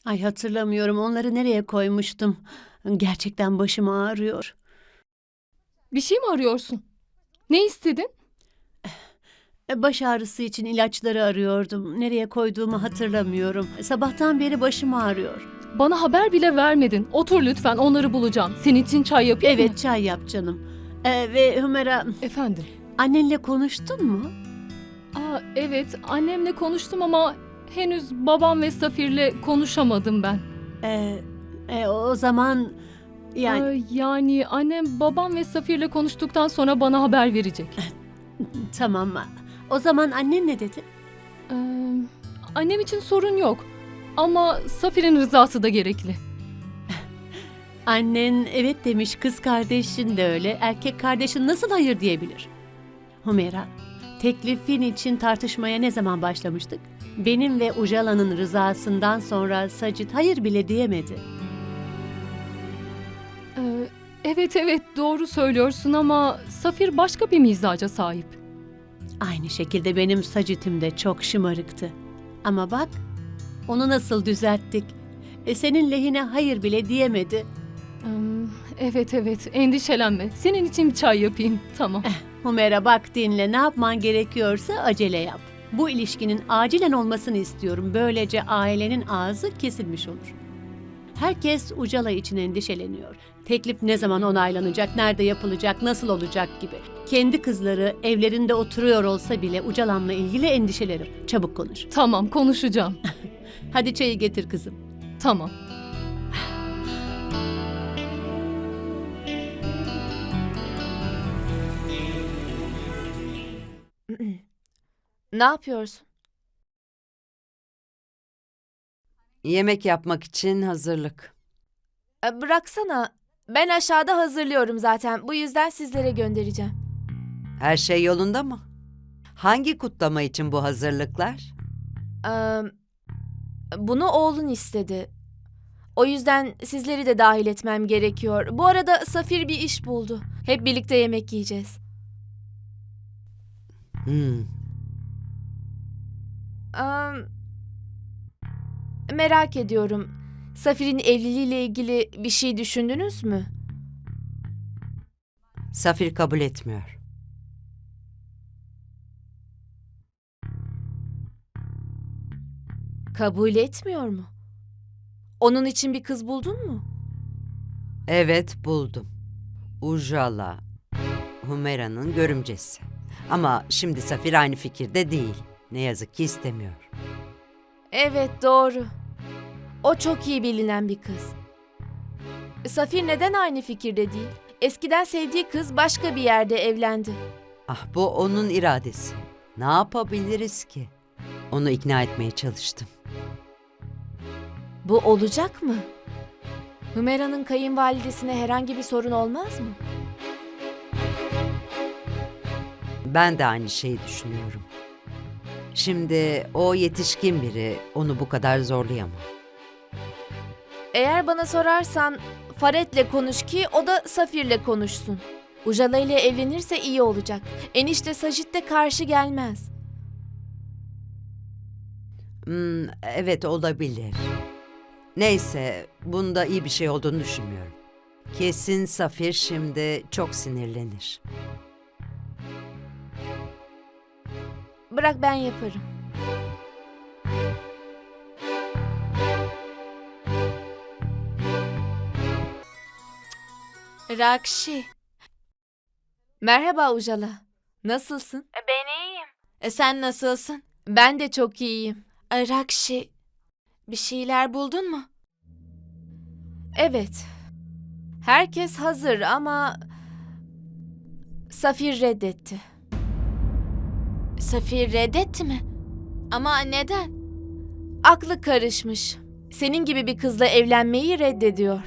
Ay hatırlamıyorum, onları nereye koymuştum. Gerçekten başım ağrıyor. Bir şey mi arıyorsun? Ne istedin? Baş ağrısı için ilaçları arıyordum. Nereye koyduğumu hatırlamıyorum. Sabahtan beri başım ağrıyor. Bana haber bile vermedin. Otur lütfen, onları bulacağım. Senin için çay yapayım mı? Evet, çay yap canım. Ve Hümera, Efendim? annenle konuştun mu? Evet, annemle konuştum ama henüz babam ve Safir'le konuşamadım ben. O zaman yani Yani annem babam ve Safir'le konuştuktan sonra bana haber verecek. tamam. O zaman annen ne dedi? Ee, Annem için sorun yok. Ama Safir'in rızası da gerekli. Annen evet demiş, kız kardeşin de öyle. Erkek kardeşin nasıl hayır diyebilir? Hümera, teklifin için tartışmaya ne zaman başlamıştık? Benim ve Ujala'nın rızasından sonra Sacit hayır bile diyemedi. Evet doğru söylüyorsun ama Safir başka bir mizaca sahip. Aynı şekilde benim Sacit'im de çok şımarıktı. Ama bak, onu nasıl düzelttik. Senin lehine hayır bile diyemedi. Evet endişelenme. Senin için bir çay yapayım. Tamam. Hümera bak dinle, ne yapman gerekiyorsa acele yap. Bu ilişkinin acilen olmasını istiyorum. Böylece ailenin ağzı kesilmiş olur. Herkes Ucala için endişeleniyor. Teklif ne zaman onaylanacak, nerede yapılacak, nasıl olacak gibi. Kendi kızları evlerinde oturuyor olsa bile Ucalan'la ilgili endişelerim. Çabuk konuş. Tamam konuşacağım. Hadi çayı getir kızım. Tamam. Ne yapıyorsun? Yemek yapmak için hazırlık. Bıraksana. Ben aşağıda hazırlıyorum zaten. Bu yüzden sizlere göndereceğim. Her şey yolunda mı? Hangi kutlama için bu hazırlıklar? Ee, Bunu oğlun istedi. O yüzden sizleri de dahil etmem gerekiyor. Bu arada Safir bir iş buldu. Hep birlikte yemek yiyeceğiz. Hmm, Ee, Merak ediyorum. Safir'in evliliğiyle ilgili bir şey düşündünüz mü? Safir kabul etmiyor. Kabul etmiyor mu? Onun için bir kız buldun mu? Evet, buldum. Ujala, Humera'nın görümcesi. Ama şimdi Safir aynı fikirde değil. Ne yazık ki istemiyor. Evet, doğru. O çok iyi bilinen bir kız. Safir neden aynı fikirde değil? Eskiden sevdiği kız başka bir yerde evlendi. Ah, bu onun iradesi. Ne yapabiliriz ki? Onu ikna etmeye çalıştım. Bu olacak mı? Hümera'nın kayınvalidesine herhangi bir sorun olmaz mı? Ben de aynı şeyi düşünüyorum. Şimdi o yetişkin biri, onu bu kadar zorlayamam. Eğer bana sorarsan Faret'le konuş ki o da Safir'le konuşsun. Ujala ile evlenirse iyi olacak. Enişte Sajit de karşı gelmez. Evet, olabilir. Neyse, bunda iyi bir şey olduğunu düşünmüyorum. Kesin Safir şimdi çok sinirlenir. Bırak ben yaparım. Rakşi. Merhaba Ujala. Nasılsın? Ben iyiyim. Sen nasılsın? Ben de çok iyiyim. Rakşi, bir şeyler buldun mu? Evet. Herkes hazır ama Safir reddetti. Safir reddetti mi? Ama neden? Aklı karışmış. Senin gibi bir kızla evlenmeyi reddediyor.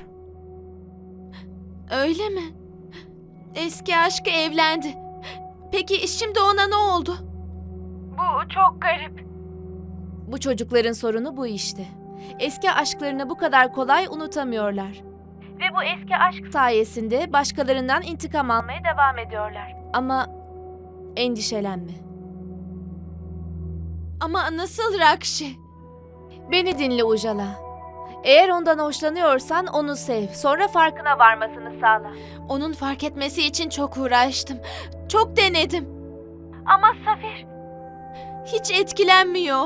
Öyle mi? Eski aşkı evlendi. Peki şimdi ona ne oldu? Bu çok garip. Bu çocukların sorunu bu işte. Eski aşklarını bu kadar kolay unutamıyorlar. Ve bu eski aşk Sayesinde başkalarından intikam almaya sayesinde devam ediyorlar. ama endişelenme. Ama nasıl Rakşi? Beni dinle Ujala. Eğer ondan hoşlanıyorsan onu sev. Sonra farkına Varmasını sağla. onun fark etmesi için çok uğraştım. Çok denedim. Ama Safir, Hiç etkilenmiyor.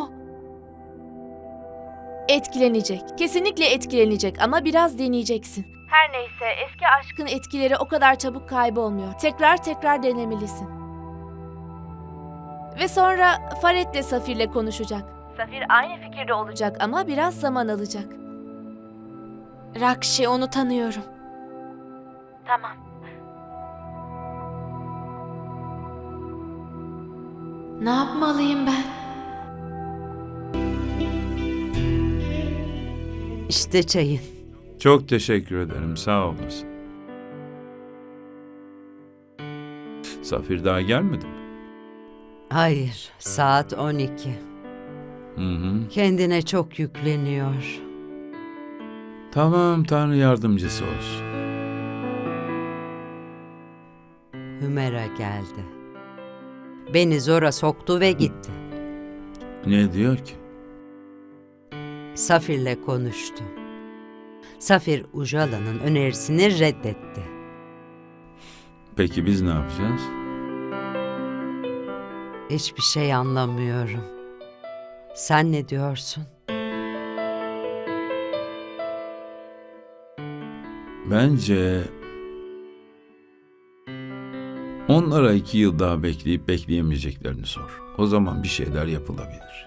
Etkilenecek. Kesinlikle etkilenecek ama biraz deneyeceksin. her neyse eski Aşkın etkileri o kadar çabuk kaybolmuyor. Tekrar tekrar denemelisin. Ve sonra Faret'le Safir'le konuşacak. Safir aynı fikirde olacak. Ama biraz zaman alacak. Rakşi, onu tanıyorum. Tamam. Ne yapmalıyım ben? İşte çayın. Çok teşekkür ederim, sağ olasın. Safir daha gelmedi mi? Hayır, saat 12. Hı hı. Kendine çok yükleniyor. Tamam, Tanrı yardımcısı olsun. Hümera geldi. Beni zora soktu ve gitti. Ne diyor ki? Safir'le konuştu. Safir Ujala'nın önerisini reddetti. Peki biz ne yapacağız? Hiçbir şey anlamıyorum. Sen ne diyorsun? Bence onlara 2 yıl daha bekleyip bekleyemeyeceklerini sor. O zaman bir şeyler yapılabilir.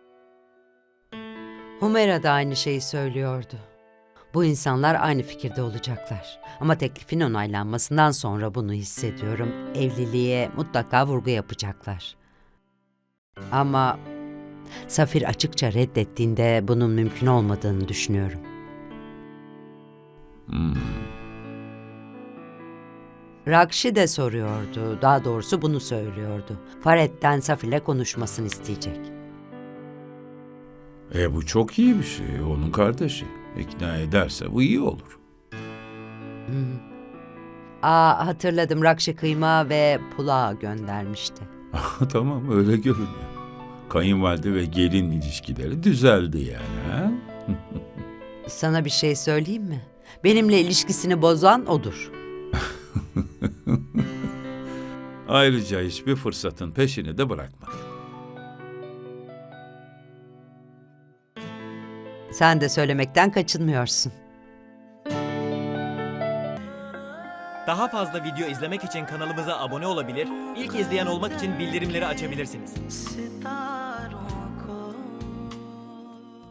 Humera da aynı şeyi söylüyordu. Bu insanlar aynı fikirde olacaklar. Ama teklifin onaylanmasından sonra bunu hissediyorum. Evliliğe mutlaka vurgu yapacaklar. Ama Safir açıkça reddettiğinde bunun mümkün olmadığını düşünüyorum. Hmm. Rakşi de soruyordu, daha doğrusu bunu söylüyordu. Faret'ten Safir'le konuşmasını isteyecek. Bu çok iyi bir şey, onun kardeşi. İkna ederse bu iyi olur. Hatırladım, Rakşi kıyma ve pulağı göndermişti. Tamam, öyle görünüyor. Kayınvalide ve gelin ilişkileri düzeldi yani, ha? Sana bir şey söyleyeyim mi? Benimle ilişkisini bozan odur. Ayrıca hiçbir fırsatın peşini de bırakmadı. Sen de söylemekten kaçınmıyorsun. Daha fazla video izlemek için kanalımıza abone olabilir, ilk izleyen olmak için bildirimleri açabilirsiniz.